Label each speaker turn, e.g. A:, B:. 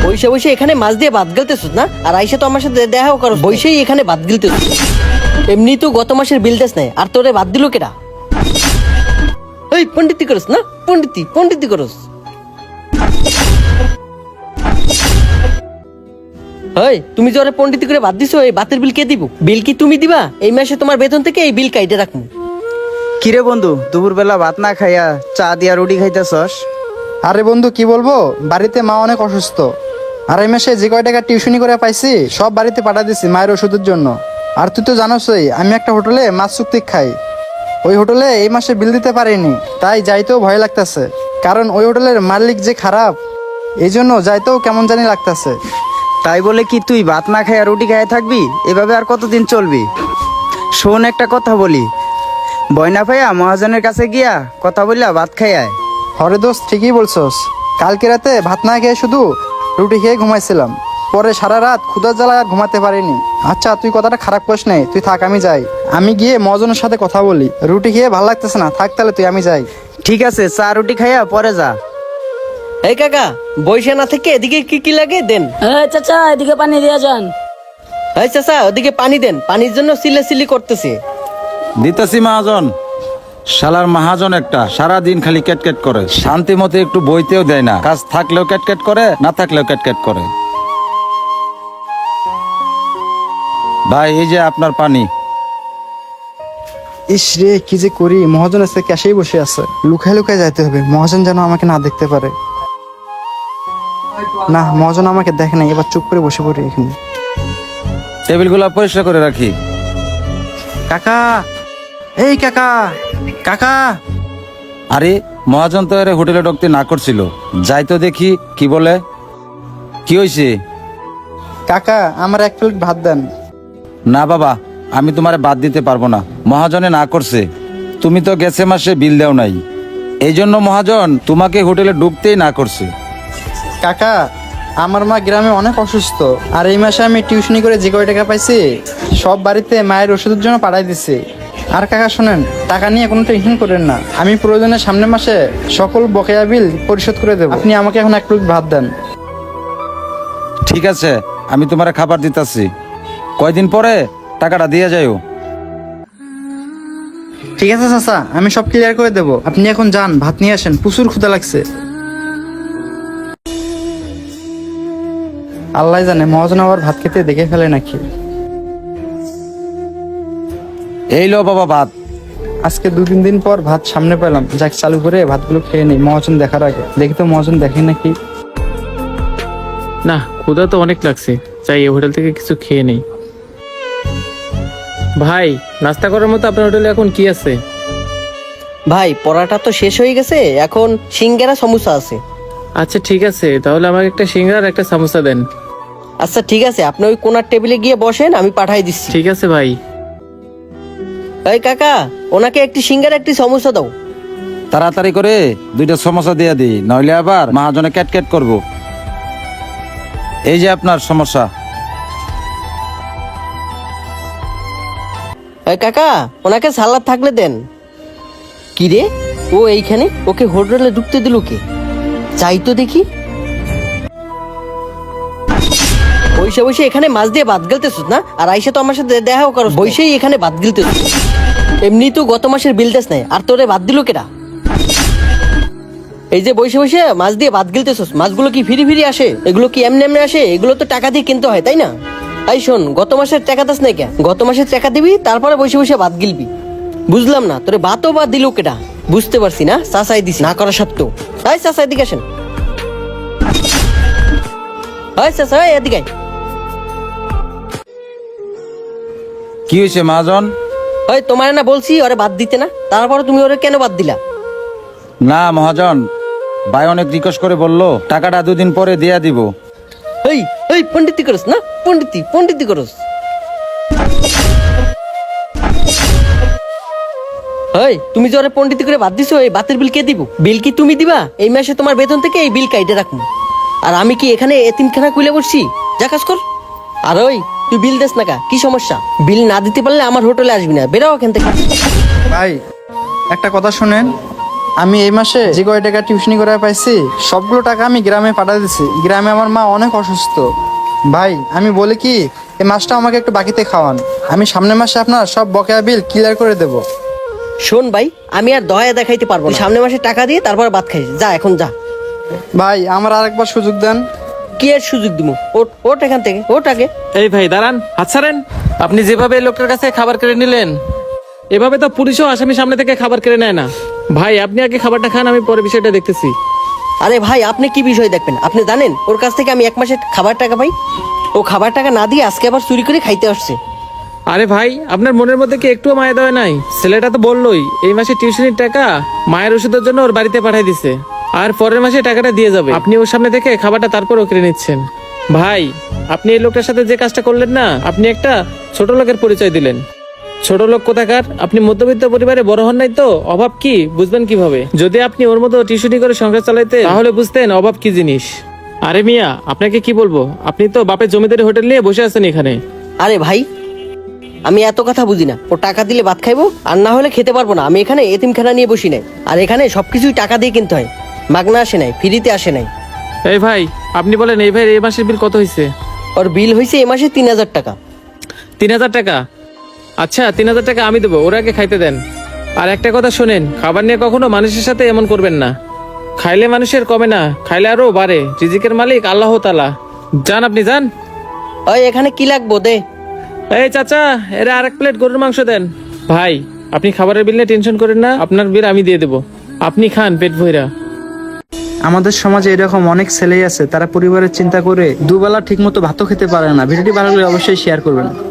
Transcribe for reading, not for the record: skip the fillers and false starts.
A: বসে বসে এখানে মাছ দিয়ে ভাত গেলতেছিস না, আর আইসা তো আমার সাথে দেখাও করো, বসেই এখানে ভাত গিলতেছিস। এমনি তো গত মাসের বিল দেশ নাই, আর তোরে ভাত দিল কেডা? এই পণ্ডিতি করস না, পণ্ডিতি করস। এই তুমি যে ওরে পণ্ডিতি করে ভাত দিছো, এই ভাতের বিল কে দিব? বিল কি তুমি দিবা? এই মাসে তোমার বেতন থেকে এই বিল কাইটে রাখবো।
B: কিরে বন্ধু, দুপুর বেলা ভাত না খাইয়া চা দিয়া রুটি খাইতেছস?
C: আরে বন্ধু কি বলবো, বাড়িতে মা অনেক অসুস্থ। আর এই মাসে যে কয় টাকা টিউশনি করে পাইছি সব বাড়িতে পাঠা দিছি মায়ের ওষুধের জন্য। আর তুই তো জানোসই আমি একটা হোটেলে মাছ চুক্তি খাই। ওই হোটেলে এই মাসে বিল দিতে পারিনি, তাই যাইতেও ভয় লাগতেছে, কারণ ওই হোটেলের মালিক যে খারাপ, এই জন্য যাইতেও কেমন জানি লাগতেছে।
B: তাই বলে কি তুই ভাত না খাইয়া রুটি খাইয়া থাকবি? এভাবে আর কতদিন চলবি? শোন, একটা কথা বলি, বয়না ভাইয়া মহাজনের কাছে গিয়া কথা বললা ভাত খাইয়ায়।
C: হরে দোস্ত, ঠিকই বলছস। কালকে রাতে ভাত না খেয়ে শুধু রুটি খেয়ে ঘুমাইছিলাম, পরে সারা রাত ক্ষুধার জ্বালায় আর ঘুমাতে পারিনি। আচ্ছা তুই কথাটা খারাপ করিস নাই, তুই থাক আমি যাই। আমি গিয়ে মহাজনের সাথে কথা বলি। রুটি খেয়ে ভালো লাগতেছে না, থাক তাহলে তুই, আমি যাই।
B: ঠিক আছে, চা রুটি খাইয়া পরে যা।
A: এই কাকা, বইসা না থেকে এদিকে কি কি লাগে দেন।
D: চাচা এদিকে পানি দিয়া যান।
A: এই চাচা ওদিকে পানি দেন, পানির জন্য সিলি করতেছে।
E: দিতেছি মহাজন। শালার মহাজন একটা, সারা দিন খালি ক্যাটক্যাট করে, শান্তি মতো একটু বইতেও দেয় না। কাজ থাকলেও ক্যাটক্যাট করে, না থাকলেও ক্যাটক্যাট করে। ভাই এই যে আপনার পানি।
C: ইস রে, কি যে করি, মহাজন এসে ক্যাশেই বসে আছে। লুকায় লুকায় যাইতে হবে, মহাজন যেন আমাকে না দেখতে পারে। না, মহাজন আমাকে দেখে নাই, এবার চুপ করে বসে পড়ি এখানে।
E: টেবিলগুলো পরিষ্কার করে রাখি।
C: কাকা, এই কাকা, কাকা।
E: আরে মহাজন তো এর হোটেলে ঢুকতে না করছিল, যাই তো দেখি কি বলে। কি হয়েছে?
C: কাকা আমার এক প্লেট ভাত দেন।
E: না বাবা, আমি তোমারে বাদ দিতে পারবো না, মহাজনে না করছে। তুমি তো গেছে মাসে বিল দেও নাই, এই জন্য মহাজন তোমাকে হোটেলে ঢুকতেই না করছে।
C: কাকা আমার মা গ্রামে অনেক অসুস্থ, আর এই মাসে আমি টিউশনি করে যে কয় টাকা পাইছি সব বাড়িতে মায়ের ওষুধের জন্য পাঠাই দিছি। আর কাকা শোনেন, টাকা নিয়ে কোনো টেনশন করেন না, আমি প্রয়োজনে সামনের মাসে সকল বকেয়া বিল পরিশোধ করে দেবো। আপনি আমাকে এখন এক প্লেট ভাত দেন।
E: ঠিক আছে, আমি তোমারে খাবার দিতাছি, কয়দিন পরে টাকাটা দিয়ে যাইও।
C: ঠিক আছে চাচা, আমি সব ক্লিয়ার করে দেবো। আপনি এখন যান, ভাত নিয়ে আসেন, প্রচুর ক্ষুধা লাগছে। আল্লাহ জানে মহাজন আবার ভাত খেতে দেখে ফেলে নাকি।
E: এই লো বাবা ভাত।
C: আজকে 2-3 দিন পর ভাত সামনে পেলাম, যাক চালু করে ভাতগুলো খেয়ে নেই মহাজন দেখার আগে। দেখি তো মহাজন দেখে নাকি।
F: না, ক্ষুধা তো অনেক লাগছে, চাই এই হোটেল থেকে কিছু খেয়ে নেই। ভাই, নাস্তা করার মতো আপনার হোটেলে এখন কি আছে?
A: ভাই পড়াটা তো শেষ হয়ে গেছে, এখন সিঙ্গারা সমোসা আছে।
F: আচ্ছা ঠিক আছে, তাহলে আমাকে একটা সিঙ্গারা আর একটা সামোসা দেন।
A: আচ্ছা ঠিক আছে, আপনি ওই কোনার টেবিলে গিয়ে বসেন, আমি পাঠাই দিচ্ছি।
F: ঠিক আছে ভাই।
A: এই কাকা, ওনাকে একটি সিঙ্গারা একটি সমোসা দাও।
E: তাড়াতাড়ি করে 2টা সমস্যা দিয়ে দিই, নইলে আবার মহাজনে ক্যাটক্যাট করব। এই যে আপনার সমস্যা।
A: এই কাকা, ওনাকে সালাদ থাকলে দেন। কি রে, ও এইখানে? ওকে হোটেলে ঢুকতে দিল কে? চাই তো দেখি। বসে বসে এখানে মাছ দিয়ে ভাত গেলতেছিস না, আর আইসা তো আমার সাথে দেখাও করো, বসেই এখানে ভাত গিলতেছিস। এমনি তো গত মাসের বিল দেশ নাই, আর তোরে ভাত দিল কেডা? এই যে বসে বসে মাছ দিয়ে ভাত গিলতেছিস, মাছগুলো কি ফিরি ফিরি আসে? এগুলো কি এমনি এমনি আসে? এগুলো তো টাকা দিয়ে কিনতে হয়, তাই না? এই শোন, গত মাসের টাকা দাস নাই কেন? গত মাসের টাকা দিবি, তারপরে বসে বসে ভাত গিলবি। বুঝলাম না, তোরে ভাতও বা দিল কেডা? বুঝতে পারছি না, চাচাই দিস না করা সত্ত্বেও। এই চাচা এদিকে আসেন। এই চাচা এদিকে আয়।
E: কি হয়েছে মহাজন?
A: ওই তোমার না বলছি ওরে বাদ দিতে না, তারপরে তুমি ওরে কেন বাদ দিলা?
E: না মহাজন, ভাই অনেক রিকোয়েস্ট করে বললো টাকাটা 2 দিন পরে দিয়া দিব।
A: এই এই পণ্ডিতি করস না, পণ্ডিতি করস। এই তুমি যে ওরে পণ্ডিতি করে বাদ দিছো, এই বাতের বিল কে দিব? বিল কি তুমি দিবা? এই মাসে তোমার বেতন থেকে এই বিল কাইটে রাখবো। আর আমি কি এখানে এতিমখানা খুলে বসছি? যা কাজ কর। আর ওই তুই বিল দেস না কা, কি সমস্যা? বিল না দিতে পারলে আমার হোটেলে আসবি না, বেরাও এখান থেকে।
C: ভাই একটা কথা শুনেন, আমি এই মাসে যে কয় টাকা টিউশনি করে পাইছি সবগুলো টাকা আমি গ্রামে পাঠিয়ে দিছি। গ্রামে আমার মা অনেক অসুস্থ। ভাই আমি বলি কি, এই মাসটা আমাকে একটু বাকিতে খাওয়ান, আমি সামনের মাসে আপনার সব বকেয়া বিল ক্লিয়ার করে দেব।
A: শোন ভাই, আমি আর দয়া দেখাইতে পারবো না। সামনের মাসে টাকা দিয়ে তারপর ভাত খাইস, যা এখন যা।
C: ভাই আমার আরেকবার সুযোগ দেন।
A: কি এর সুযোগ দিব? ওট এখান থেকে, ওট আগে।
F: এই ভাই দাঁড়ান, হাত ছাড়েন। আপনি যেভাবে এই লোকটার কাছে খাবার কেড়ে নিলেন, এভাবে তো পুলিশও আসামি সামনে থেকে খাবার কেড়ে নেয় না। ভাই আপনি আগে খাবারটা খান, আমি পরে বিষয়টা দেখতেছি।
A: আরে ভাই, আপনি কি বিষয় দেখবেন? আপনি জানেন ওর কাছ থেকে আমি 1 মাসের খাবার টাকা পাই? ও খাবার টাকা না দিয়ে আজকে আবার চুরি করে খাইতে আসছে।
F: আরে ভাই, আপনার মনের মধ্যে কি একটুও মায়া দেওয়া নাই? ছেলেটা তো বললোই এই মাসে টিউশনির টাকা মায়ের ওষুধের জন্য ওর বাড়িতে পাঠিয়ে দিছে, আর পরের মাসে টাকাটা দিয়ে যাবে। আপনি ওর সামনে থেকে খাবারটা তারপরও কেড়ে নিচ্ছেন। ভাই আপনি এই লোকটার সাথে যে কাজটা করলেন না, আপনি একটা ছোট লোকের পরিচয় দিলেন। ছোট লোক কোথাকার? আপনি মধ্যবিত্ত পরিবারে বড় হন নাই তো, অভাব কি বুঝবেন কিভাবে? যদি আপনি ওর মতো টিউশনি করে সংসার চালাইতেন তাহলে বুঝতেন অভাব কি জিনিস। আরে মিয়া, আপনাকে কি বলবো, আপনি তো বাপের জমিদারি হোটেল নিয়ে বসে আছেন এখানে।
A: আরে ভাই, আমি এত কথা বুঝি না। ও টাকা দিলে ভাত খাইবো, আর না হলে খেতে পারবো না। আমি এখানে এতিমখানা নিয়ে বসি নাই, আর এখানে সবকিছুই টাকা দিয়ে কিনতে হয়। মাগনা আসে নাই, ফ্রিতে আসে নাই।
F: এই ভাই আপনি বলেন, এই ভাই এই মাসের বিল কত হয়েছে?
A: ওর বিল হয়েছে এই মাসে 3000 টাকা।
F: 3000 টাকা? আচ্ছা 3000 টাকা আমি দেবো, ওরা আগে খাইতে দেন। আর একটা কথা শোনেন, খাবার নিয়ে কখনো মানুষের সাথে এমন করবেন না। খাইলে মানুষের কমে না, খাইলে আরো বাড়ে। রিজিকের মালিক আল্লাহ তাআলা। যান আপনি যান।
A: ওই এখানে কি লাগবো দে।
F: এই চাচা, এরা আরেক প্লেট গরুর মাংস দেন। ভাই আপনি খাবারের বিল নিয়ে টেনশন করেন না, আপনার বিল আমি দিয়ে দেবো, আপনি খান পেট ভইরা।
C: আমাদের সমাজে এরকম অনেক ছেলেই আছে, তারা পরিবারের চিন্তা করে দুবেলা ঠিকমতো ভাতও খেতে পারে না। ভিডিওটি ভালো লাগলে অবশ্যই শেয়ার করবেন।